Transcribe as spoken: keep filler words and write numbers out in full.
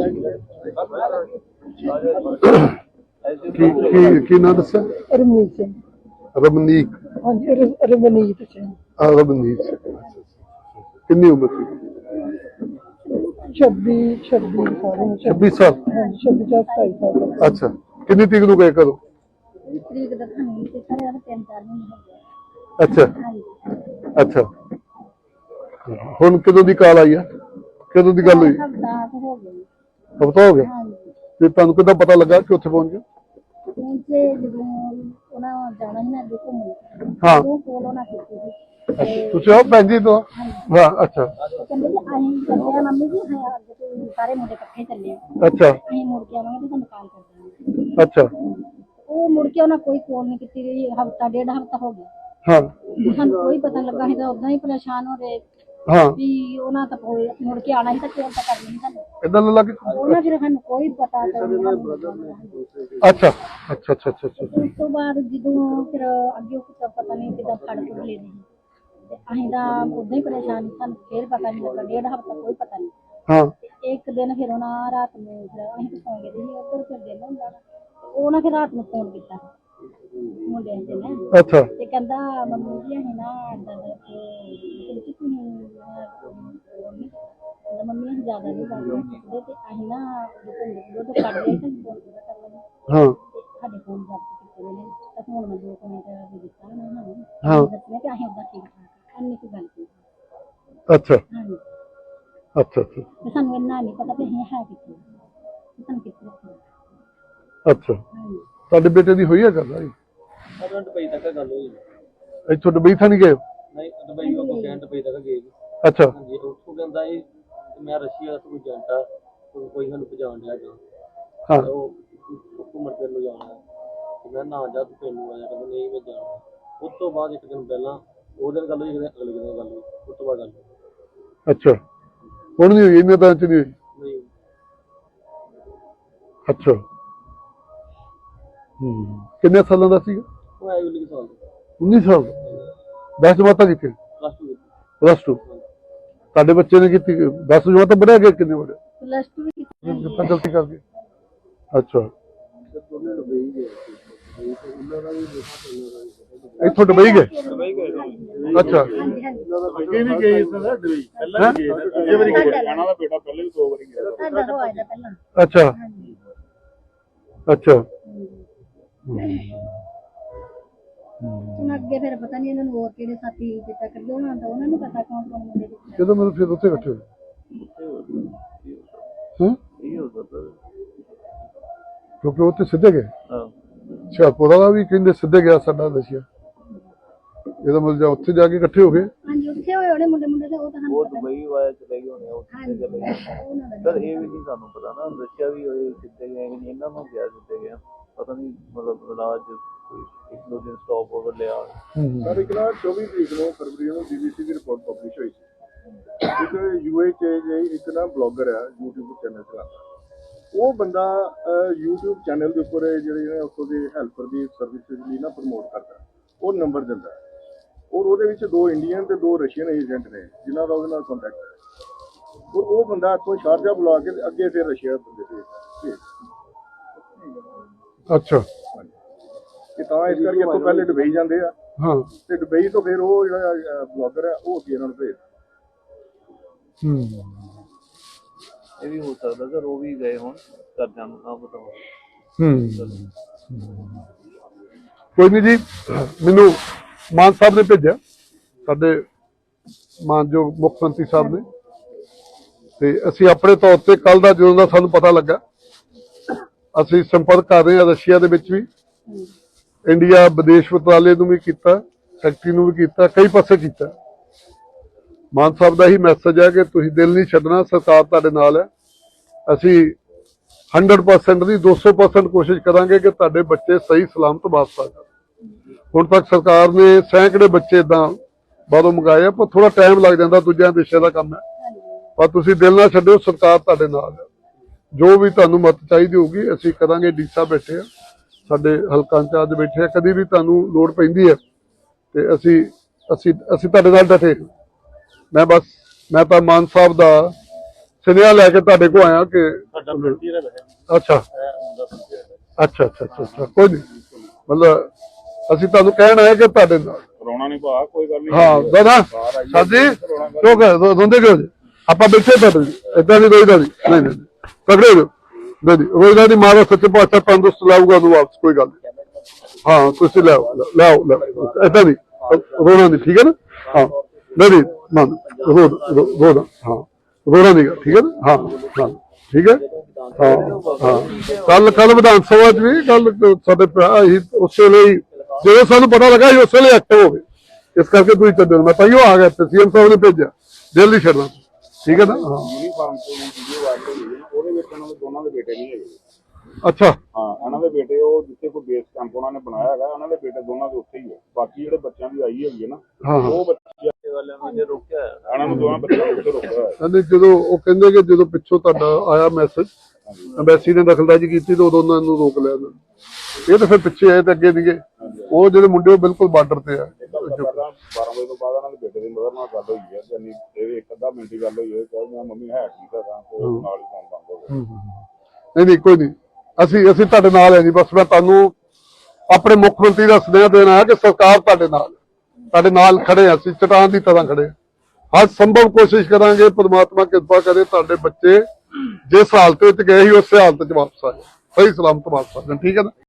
ਕੀ ਕੀ ਕੀ ਨਾਂ ਦੱਸਿਆ? ਰਮਨੀਤ ਸਿੰਘ। ਰਮਨੀਕ? ਹਾਂਜੀ, ਰਮਨੀਤ ਸਿੰਘ। ਹਾਂ, ਰਮਨੀਤ ਸਿੰਘ। ਕਿੰਨੀ ਉਮਰ ਸੀ? ਛੱਬੀ ਛੱਬੀ ਸਾਲ। ਛੱਬੀ ਸਾਲ? ਹਾਂਜੀ, ਛੱਬੀ ਚਾਰ ਸਤਾਈ ਸਾਲ। ਅੱਛਾ, ਕਿੰਨੀ ਤਰੀਕ ਨੂੰ ਗਏ ਘਰੋਂ? ਤਰੀਕ ਦੱਸਣੀ ਤੇ ਸਾਰੇ ਤਿੰਨ ਚਾਰ ਮਹੀਨੇ ਹੋ ਗਏ। ਅੱਛਾ ਅੱਛਾ, ਹੁਣ ਕਦੋਂ ਦੀ ਕਾਲ ਆਈ ਆ? ਕਦੋਂ ਦੀ ਗੱਲ ਹੋਈ? ਹਫਤਾ ਹੋ ਗਿਆ। ਹਫਤਾ ਹੋ ਗਿਆ? ਤੇ ਤੁਹਾਨੂੰ ਕਿੱਦਾਂ ਪਤਾ ਲੱਗਾ ਕਿ ਉੱਥੇ ਪਹੁੰਚ ਗਏ? ਪਹੁੰਚੇ ਜਦੋਂ ਉਹਨਾਂ ਜਾਣਾ ਸੀ ਨਾ ਅੱਗੇ ਘੁੰਮਣ। ਹਾਂ, ਉਹ ਕੋਲ ਉਹਨਾਂ ਕੀਤੀ ਸੀ। ਤੁਸੀਂ ਆਓ ਭੈਣ ਜੀ ਤੋਂ? ਹਾਂ। ਅੱਛਾ, ਕਹਿੰਦੇ ਜੀ ਅਸੀਂ ਚੱਲੇ ਆ ਮੰਮੀ ਜੀ, ਅੱਗੇ ਤੋਂ ਸਾਰੇ ਮੁੰਡੇ ਇਕੱਠੇ ਚੱਲੇ ਆ। ਅੱਛਾ, ਅਸੀਂ ਮੁੜ ਕੇ ਆਵਾਂਗੇ ਤੇ ਤੁਹਾਨੂੰ ਕਾਲ ਕਰ ਦਾਂਗੇ। ਅੱਛਾ। ਉਹ ਮੁੜ ਕੇ ਉਹਨਾਂ ਕੋਈ ਕੋਲ ਨਹੀਂ ਕੀਤੀ ਰਹੀ। ਹਫਤਾ ਡੇਢ ਹਫਤਾ ਹੋ ਗਿਆ। ਹਾਂ, ਸਾਨੂੰ ਕੋਈ ਪਤਾ ਲੱਗਾ ਸੀ ਤਾਂ ਉਦਾਂ ਹੀ ਪਰੇਸ਼ਾਨ ਹੋ ਗਏ ਹਾਂ ਵੀ ਉਹਨਾਂ ਤਾਂ ਮੁੜ ਕੇ ਆਣਾ ਸੀ ਤਾਂ ਕੋਲ ਤਾਂ ਕਰਨੀ ਸੀ ਸਾਨੂੰ। ਏਦਾਂ ਲੱਗ ਉਹਨਾਂ ਫਿਰ ਸਾਨੂੰ ਕੋਈ ਪਤਾ ਤਾਂ ਅੱਛਾ ਅੱਛਾ ਅੱਛਾ ਅੱਛਾ ਅੱਛਾ। ਉਸ ਤੋਂ ਬਾਅਦ ਜਦੋਂ ਫਿਰ ਅੱਗੇ ਪਤਾ ਨਹੀਂ ਕਿੱਦਾਂ ਫੜ ਕੇ ਲੈ ਗਏ ਤੇ ਅਸੀਂ ਤਾਂ ਉਦਾਂ ਹੀ ਪਰੇਸ਼ਾਨ ਸੀ। ਸਾਨੂੰ ਫਿਰ ਪਤਾ ਨਹੀਂ ਲੱਗਾ ਡੇਢ ਹਫਤਾ ਕੋਈ ਪਤਾ ਨਹੀਂ। ਹਾਂ, ਇੱਕ ਦਿਨ ਫਿਰ ਉਹਨਾਂ ਰਾਤ ਨੂੰ ਫਿਰ ਅਸੀਂ ਸੌਂ ਗਏ ਸੀ ਉੱਧਰ। ਫਿਰ ਦਿਨ ਹੁੰਦਾ ਉਹਨਾਂ ਫਿਰ ਰਾਤ ਨੂੰ ਫੋਨ ਕੀਤਾ ਮੁੰਡਿਆਂ ਦੇ ਨੇ। ਅੱਛਾ। ਤੇ ਕਹਿੰਦਾ ਮੰਮੀ ਜੀ ਅਸੀਂ ਨਾ ਏਦਾਂ ਦੇ ਤੁਸੀਂ ਮੰਮੀ ਅਸੀਂ ਜ਼ਿਆਦਾ ਨਹੀਂ ਕਰਦੇ ਤੇ ਅਸੀਂ ਨਾ ਦੁੱਧ ਕੱਢ ਲਿਆ ਤੇ ਫੋਨ ਪੂਰਾ ਕਰ ਲੈਣਾ। ਹਾਂ, ਸਾਡੇ ਫੋਨ ਜ਼ਬਤ ਕੀਤੇ ਨੇ ਤਾਂ ਹੁਣ ਮੈਂ ਦੋ ਮਿੰਟ ਵੀ ਦਿੱਤਾ ਉਹਨਾਂ ਨੂੰ। ਹਾਂ, ਦੱਸਣਾ ਕਿ ਅਸੀਂ ਉਦਾਂ ਠੀਕ ਠਾਕ ਇੰਨੀ ਕੁ ਗੱਲ ਕੀਤੀ। ਅੱਛਾ ਹਾਂਜੀ, ਅੱਛਾ ਅੱਛਾ। ਤੇ ਸਾਨੂੰ ਇੰਨਾ ਨਹੀਂ ਪਤਾ ਵੀ ਅਸੀਂ ਹੈ ਕਿੱਥੇ, ਸਾਨੂੰ ਕਿੱਥੇ ਰੱਖਣਾ। ਅੱਛਾ, ਤੁਹਾਡੇ ਬੇਟੇ ਦੀ ਹੋਈ ਹੈ ਗੱਲ? ਆਈ ਦੁਬਈ ਤੱਕ ਗੱਲ ਹੋਈ। ਇੱਥੋਂ ਦੁਬਈ ਤਾਂ ਨਹੀਂ ਗਏ? ਨਹੀਂ, ਦੁਬਈ ਉਹ ਕਹਿਣ ਦੁਬਈ ਤੱਕ ਗਏ ਜੀ। ਅੱਛਾ। ਹਾਂਜੀ, ਉੱਥੋਂ ਕਹਿੰਦਾ ਇਹ ਮੈਂ ਰਸ਼ੀਆ ਦਾ ਕੋਈ ਏਜੰਟ ਆ, ਕੋਈ ਸਾਨੂੰ ਪਛਾਣ ਲਿਆ ਗਿਆ। ਹਾਂ, ਉਹ ਘੁੰਮਣ ਫਿਰਨ ਨੂੰ ਜਾਣਾ ਤੇ ਮੈਂ ਨਾ ਜਾ ਤੂੰ ਤੈਨੂੰ ਆ ਜਾ। ਕਹਿੰਦਾ ਨਹੀਂ ਮੈਂ ਜਾਣਾ। ਉਸ ਤੋਂ ਬਾਅਦ ਇੱਕ ਦਿਨ ਪਹਿਲਾਂ ਉਹ ਦਿਨ ਗੱਲ ਹੋਈ, ਅਗਲੇ ਦਿਨ ਗੱਲ ਹੋਈ, ਉਸ ਤੋਂ ਬਾਅਦ ਗੱਲ ਹੋਈ। ਅੱਛਾ, ਹੁਣ ਨਹੀਂ ਹੋਈ? ਇੰਨੇ ਤਾਂ ਚ ਨਹੀਂ ਹੋਈ? ਅੱਛਾ। ਹੂੰ, ਕਿੰਨੇ ਸਾਲਾਂ ਦਾ ਸੀਗਾ? ਉਹ ਆਈ ਉੱਨੀ ਸਾਲ ਦਾ। ਉੱਨੀ ਸਾਲ? ਦਸ ਜਮਾਤਾਂ ਕੀਤੀ? ਪਲੱਸ ਟੂ ਕੀਤੀ। Plus two? ਤੁਹਾਡੇ ਬੱਚੇ ਨੇ ਕੀਤੀ ਦਸ ਜਮਾਤਾਂ? ਬੜੇ ਗਏ? ਕਿੰਨੇ ਬੜੇ? ਪਲੱਸ ਟੂ ਵੀ ਕੀਤੀ। ਤਾਂ ਗਲਤੀ ਕਰ ਗਏ। ਅੱਛਾ, ਇੱਥੋਂ ਦੁਬਈ ਗਏ? ਅੱਛਾ, ਅੱਗੇ ਵੀ ਗਏ ਸਰ ਦੁਬਈ, ਪਹਿਲਾਂ ਵੀ ਗਏ ਸਰ। ਅੱਗੇ ਵਾਰੀ ਗਏ। ਇਹਨਾਂ ਦਾ ਬੇਟਾ ਪਹਿਲੇ ਵੀ ਦੋ ਵਾਰੀ ਗਿਆ। ਸਾਡਾ ਹੋਇਆ ਦਾ ਪਹਿਲਾਂ। ਅੱਛਾ ਅੱਛਾ। ਹੁਣ ਅੱਗੇ ਫਿਰ ਪਤਾ ਨਹੀਂ ਇਹਨਾਂ ਨੂੰ ਹੋਰ ਕਿਹੜੇ ਸਾਥੀ ਦਿੱਤਾ ਕਰਦੇ ਉਹਨਾਂ ਦਾ, ਉਹਨਾਂ ਨੂੰ ਪਤਾ ਕੌਣ ਕੌਣ ਮੁੰਡੇ ਦਿੱਤੇ। ਜਦੋਂ ਮੈਨੂੰ ਫਿਰ ਉੱਥੇ ਇਕੱਠੇ ਹੋਏ? ਹਾਂ, ਇਹ ਹੋ ਸਕਦਾ ਕਿਉਂਕਿ ਉੱਥੇ ਸਿੱਧੇ ਗਏ। ਹਾਂ, ਹੁਸ਼ਿਆਰਪੁਰ ਦਾ ਵੀ ਕਹਿੰਦੇ ਸਿੱਧੇ ਗਿਆ ਸਾਡਾ ਰਸ਼ੀਆ। ਇਹਦਾ ਮਤਲਬ ਉੱਥੇ ਜਾ ਕੇ ਇਕੱਠੇ ਹੋ ਗਏ। ਹਾਂਜੀ, ਉੱਥੇ ਹੋਏ ਹੋਣੇ ਮੁੰਡੇ ਮੁੰਡੇ ਤੇ ਉਹ ਤਾਂ ਸਾਨੂੰ ਉਹ ਪਤਾ ਦੁਬਈ ਵਾਇਆ ਚਲੇ ਗਏ ਹੋਣੇ। ਉਹ ਸਿੱਧੇ ਚਲੇ ਗਏ ਸਰ, ਇਹ ਵੀ ਨਹੀਂ ਸਾਨੂੰ ਪਤਾ ਨਾ। ਰਸ਼ੀਆ ਵੀ ਹੋਏ ਸਿੱਧੇ ਗਏ ਕਿ ਨਹੀਂ, ਇਹਨਾਂ ਨੂੰ ਗਿਆ ਸਿੱਧੇ ਗਿਆ ਪਤਾ ਨਹੀਂ। ਮਤਲਬ ਇਲਾਜ ਇੱਕ ਦੋ ਦਿਨ ਸਟਾਪ ਓਵਰ ਲਿਆ। ਸਰ ਇੱਕ ਨਾ ਚੌਵੀ ਤਰੀਕ ਨੂੰ ਫਰਵਰੀ ਨੂੰ ਬੀਬੀਸੀ ਦੀ ਰਿਪੋਰਟ ਪਬਲਿਸ਼ ਹੋਈ ਸੀ। ਇੱਕ ਯੂਏ ਚ ਇੱਕ ਨਾ ਬਲੌਗਰ ਆ, ਯੂਟਿਊਬ ਚੈਨਲ ਚਲਾਉਂਦਾ। ਉਹ ਬੰਦਾ ਯੂਟਿਊਬ ਚੈਨਲ ਦੇ ਉੱਪਰ ਜਿਹੜੇ ਨੇ ਉੱਥੋਂ ਦੇ ਹੈਲਪਰ ਦੀ ਸਰਵਿਸਿਜ਼ ਲਈ ਨਾ ਪ੍ਰਮੋਟ ਕਰਦਾ। ਉਹ ਨੰਬਰ ਦਿੰਦਾ ਔਰ ਉਹਦੇ ਵਿੱਚ ਦੋ ਇੰਡੀਅਨ ਤੇ ਦੋ ਰਸ਼ੀਅਨ ਏਜੰਟ ਨੇ ਜਿਨ੍ਹਾਂ ਦਾ ਉਹਦੇ ਨਾਲ ਕੰਟੈਕਟ ਹੈ। ਔਰ ਉਹ ਬੰਦਾ ਇੱਥੋਂ ਸ਼ਾਰਜਾ ਬੁਲਾ ਕੇ ਅੱਗੇ ਫਿਰ ਰਸ਼ੀਆ ਬੰਦੇ ਭੇਜ। ਅੱਛਾ। ਤੇ ਤਾਂ ਇਸ ਕਰਕੇ ਇੱਥੋਂ ਪਹਿਲੇ ਦੁਬਈ ਜਾਂਦੇ ਆ। ਹਾਂ, ਤੇ ਦੁਬਈ ਤੋਂ ਫਿਰ ਉਹ ਜਿਹੜਾ ਬਲੌਗਰ ਹੈ ਉਹ ਅੱਗੇ ਇਹਨਾਂ ਨੂੰ ਭੇਜਦਾ। ਹੂੰ, ਇਹ ਵੀ ਹੋ ਸਕਦਾ ਸਰ, ਉਹ ਵੀ ਗਏ ਹੋਣ, ਘਰਦਿਆਂ ਨੂੰ ਨਾ ਪਤਾ ਹੋਵੇ। ਹੂੰ, ਕੋਈ ਨਹੀਂ ਜੀ। ਮੈਨੂੰ ਮਾਨ ਸਾਹਿਬ ਨੇ ਭੇਜਿਆ, ਸਾਡੇ ਮਾਨਯੋਗ ਮੁੱਖ ਮੰਤਰੀ ਸਾਹਿਬ ਨੇ, ਤੇ ਅਸੀਂ ਆਪਣੇ ਤੌਰ ਤੇ ਕੱਲ ਦਾ ਜਦੋਂ ਦਾ ਸਾਨੂੰ ਪਤਾ ਲੱਗਾ ਅਸੀਂ ਸੰਪਰਕ ਕਰ ਰਹੇ ਹਾਂ ਰਸ਼ੀਆ ਦੇ ਵਿੱਚ ਵੀ, ਇੰਡੀਆ ਵਿਦੇਸ਼ ਮੰਤਰਾਲੇ ਨੂੰ ਵੀ ਕੀਤਾ, ਸੈਕਟਰੀ ਨੂੰ ਵੀ ਕੀਤਾ, ਕਈ ਪਾਸੇ ਕੀਤਾ। ਮਾਨ ਸਾਹਿਬ ਦਾ ਹੀ ਮੈਸੇਜ ਹੈ ਕਿ ਤੁਸੀਂ ਦਿਲ ਨਹੀਂ ਛੱਡਣਾ, ਸਰਕਾਰ ਤੁਹਾਡੇ ਨਾਲ ਹੈ। ਅਸੀਂ ਹੰਡਰਡ ਪਰਸੈਂਟ ਦੀ ਦੋ ਸੌ ਪਰਸੈਂਟ ਕੋਸ਼ਿਸ਼ ਕਰਾਂਗੇ ਕਿ ਤੁਹਾਡੇ ਬੱਚੇ ਸਹੀ ਸਲਾਮਤ ਵਾਪਸ ਆ ਜਾਣ। ਹੁਣ ਤੱਕ ਸਰਕਾਰ ਨੇ ਸੈਂਕੜੇ ਬੱਚੇ ਏਦਾਂ ਬਾਹਰੋਂ ਮੰਗਾਏ ਆ, ਪਰ ਥੋੜਾ ਟਾਈਮ ਲੱਗ ਜਾਂਦਾ, ਦੂਜਿਆਂ ਦੇਸ਼ਾਂ ਦਾ ਕੰਮ ਹੈ। ਪਰ ਤੁਸੀਂ ਦਿਲ ਨਾ ਛੱਡਿਓ, ਸਰਕਾਰ ਤੁਹਾਡੇ ਨਾਲ ਹੈ। ਜੋ ਵੀ ਤੁਹਾਨੂੰ ਮਦਦ ਚਾਹੀਦੀ ਹੋਊਗੀ ਅਸੀਂ ਕਰਾਂਗੇ। ਡੀ ਸਾਹਿਬ ਬੈਠੇ ਆ, ਸਾਡੇ ਹਲਕਾ ਇੰਚਾਰਜ ਬੈਠੇ ਆ, ਕਦੀ ਵੀ ਤੁਹਾਨੂੰ ਲੋੜ ਪੈਂਦੀ ਹੈ ਤੇ ਅਸੀਂ ਅਸੀਂ ਅਸੀਂ ਤੁਹਾਡੇ ਨਾਲ ਡਟੇ। ਮੈਂ ਬਸ ਮੈਂ ਤਾਂ ਮਾਨ ਸਾਹਿਬ ਦਾ ਸੁਨੇਹਾ ਲੈ ਕੇ ਤੁਹਾਡੇ ਕੋਲ ਆਇਆ ਕਿ ਸਾਡਾ ਫਰੰਟੀਅਰ ਹੈ ਵੈਸੇ ਅੱਛਾ ਇਹ ਹੁੰਦਾ ਫਰੰਟੀਅਰ ਹੈ ਅੱਛਾ ਅੱਛਾ ਅੱਛਾ ਅੱਛਾ ਕੋਈ ਨਹੀਂ ਮਤਲਬ ਅਸੀਂ ਤੁਹਾਨੂੰ ਕਹਿਣ ਆਏ ਕਿ ਤੁਹਾਡੇ ਨਾਲ ਕਰੋਨਾ ਨਹੀਂ ਭਾ ਕੋਈ ਗੱਲ ਨਹੀਂ ਹਾਂ ਦਾਦਾ ਸਾਜੀ ਕਿਉਂ ਕਹ ਰੋਂਦੇ ਕਿਉਂ ਜੀ ਆਪਾਂ ਬੈਠੇ ਤੁਹਾਡੇ ਇਦਾਂ ਦੀ ਕੋਈ ਗੱਲ ਨਹੀਂ ਨਹੀਂ ਨਹੀਂ ਪਕੜੇ ਹੋ ਨਹੀਂ ਨਹੀਂ ਕੋਈ ਗੱਲ ਨਹੀਂ ਮਾਰਾ ਸੱਚੇ ਪਾਤਸ਼ਾਹ ਤੰਦਰੁਸਤ ਲਾਊਗਾ ਉਹਨੂੰ ਵਾਪਸ ਕੋਈ ਗੱਲ ਨਹੀਂ ਹਾਂ ਤੁਸੀਂ ਲਿਆਓ ਲਿਆਓ ਇਦਾਂ ਨਹੀਂ ਰੋਣਾ ਨਹੀਂ ਠੀਕ ਹੈ ਨਾ ਹਾਂ ਨਹੀਂ ਨਹੀਂ ਨਾ ਰੋ ਰੋ ਹਾਂ ਰੋਣਾ ਨਹੀਂ ਠੀਕ ਹੈ ਨਾ ਹਾਂ ਹਾਂ ਠੀਕ ਹੈ ਹਾਂ ਹਾਂ ਕੱਲ ਕੱਲ ਵਿਧਾਨ ਸਭਾ ਚ ਵੀ ਕੱਲ ਸਾਡੇ ਭਰਾ ਹੀ ਉਸੇ ਲਈ ਜਦੋਂ ਸਾਨੂੰ ਪਤਾ ਲੱਗਾ ਸੀ ਉਸੇ ਲਈ ਐਕਟਿਵ ਹੋ ਗਏ ਇਸ ਕਰਕੇ ਤੁਸੀਂ ਚੱਲੋ ਮੈਂ ਤਾਈਓ ਆ ਗਿਆ ਤੇ ਸੀਐਮ ਸਾਹਿਬ ਨੇ ਭੇਜਿਆ ਦਿਲ ਨਹੀਂ ਛੱਡਣਾ ਠੀਕ ਹੈ ਨਾ ਹਾਂ ਯੂਨੀਫਾਰਮ ਤੋਂ ਵੀਡੀਓ ਵਾਇਰਲ ਹੋਈ ਹੈ ਉਹਦੇ ਵਿੱਚ ਉਹਨਾਂ ਦੇ ਦੋਨਾਂ ਦੇ ਬੇਟੇ ਨਹੀਂ ਹੈਗੇ ਅੱਛਾ ਹਾਂ ਇਹਨਾਂ ਦੇ ਬੇਟੇ ਉਹ ਜਿੱਥੇ ਕੋਈ ਬੇਸ ਕੈਂਪ ਉਹਨਾਂ ਨੇ ਬਣਾਇਆ ਹੈਗਾ ਉਹਨਾਂ ਦੇ ਬੇਟੇ ਦੋਨਾਂ ਦੇ ਉੱਥੇ ਹੀ ਹੈ ਬਾਕੀ ਜਿਹੜੇ ਬੱਚਿਆਂ ਦੀ ਆਈ ਹੈਗੀ ਹੈ ਨਾ ਹਾਂ ਹਾਂ ਉਹ ਬੱਚੇ ਵਾਲਿਆਂ ਨੂੰ ਜੇ ਰੋਕਿਆ ਹੋਇਆ। ਇਹਨਾਂ ਨੂੰ ਦੋਵਾਂ ਬੱਚਿਆਂ ਨੂੰ ਉੱਥੇ ਰੋਕਿਆ ਹੋਇਆ ਕਹਿੰਦੇ ਜਦੋਂ ਉਹ ਕਹਿੰਦੇ ਕਿ ਜਦੋਂ ਪਿੱਛੋਂ ਤੁਹਾਡਾ ਆਇਆ ਮੈਸੇਜ ਐਮਬੈਸੀ ਨੇ ਦਖਲਅੰਦਾਜ਼ੀ ਕੀਤੀ ਤੇ ਉਦੋਂ ਉਹਨਾਂ ਨੂੰ ਰੋਕ ਲਿਆ ਇਹਨਾਂ ਨੇ। ਇਹ ਤਾਂ ਫਿਰ ਪਿੱਛੇ ਆਏ ਤੇ ਅੱਗੇ ਸੀਗੇ ਉਹ ਜਿਹੜੇ ਮੁੰਡੇ ਉਹ ਬਿਲਕੁਲ ਬਾਰਡਰ ਤੇ ਆ ਬਾਰਾਂ ਵਜੇ ਤੋਂ ਬਾਅਦ ਇਹਨਾਂ ਦੇ ਬੇਟੇ ਦੀ ਮਦਰ ਨਾਲ ਗੱਲ ਹੋਈ ਹੈ ਜਾਨੀ ਇਹ ਇੱਕ ਅੱਧਾ ਮਿੰਟ ਦੀ ਗੱਲ ਹੋਈ ਹੈ ਕਿ ਮੈਂ ਮੰਮੀ ਹੈ ਠੀਕ ਆ ਤਾਂ ਤੇ ਉਹ ਨਾਲ ਹੀ ਫੋਨ ਬੰਦ ਹੋ ਗਿਆ ਨਹੀਂ ਨਹੀਂ ਕੋਈ ਨਹੀਂ ਅਸੀਂ ਅਸੀਂ ਤੁਹਾਡੇ ਨਾਲ ਹੈ ਜੀ ਬਸ ਮੈਂ ਤੁਹਾਨੂੰ ਆਪਣੇ ਮੁੱਖ ਮੰਤਰੀ ਦਾ ਸੁਨੇਹਾ ਦੇਣਾ ਹੈ ਕਿ ਸਰਕਾਰ ਤੁਹਾਡੇ ਨਾਲ ਤੁਹਾਡੇ ਨਾਲ ਖੜੇ ਆ ਅਸੀਂ ਚਟਾਨ ਦੀ ਤਰ੍ਹਾਂ ਖੜੇ ਹਰ ਸੰਭਵ ਕੋਸ਼ਿਸ਼ ਕਰਾਂਗੇ ਪਰਮਾਤਮਾ ਕਿਰਪਾ ਕਰੇ ਤੁਹਾਡੇ ਬੱਚੇ ਜਿਸ ਹਾਲਤ ਵਿੱਚ ਗਏ ਸੀ ਉਸੇ ਹਾਲਤ ਚ ਵਾਪਸ ਆ ਜਾਣ ਸਹੀ ਸਲਾਮਤ ਵਾਪਸ ਆ ਜਾਣ ਠੀਕ ਹੈ ਨਾ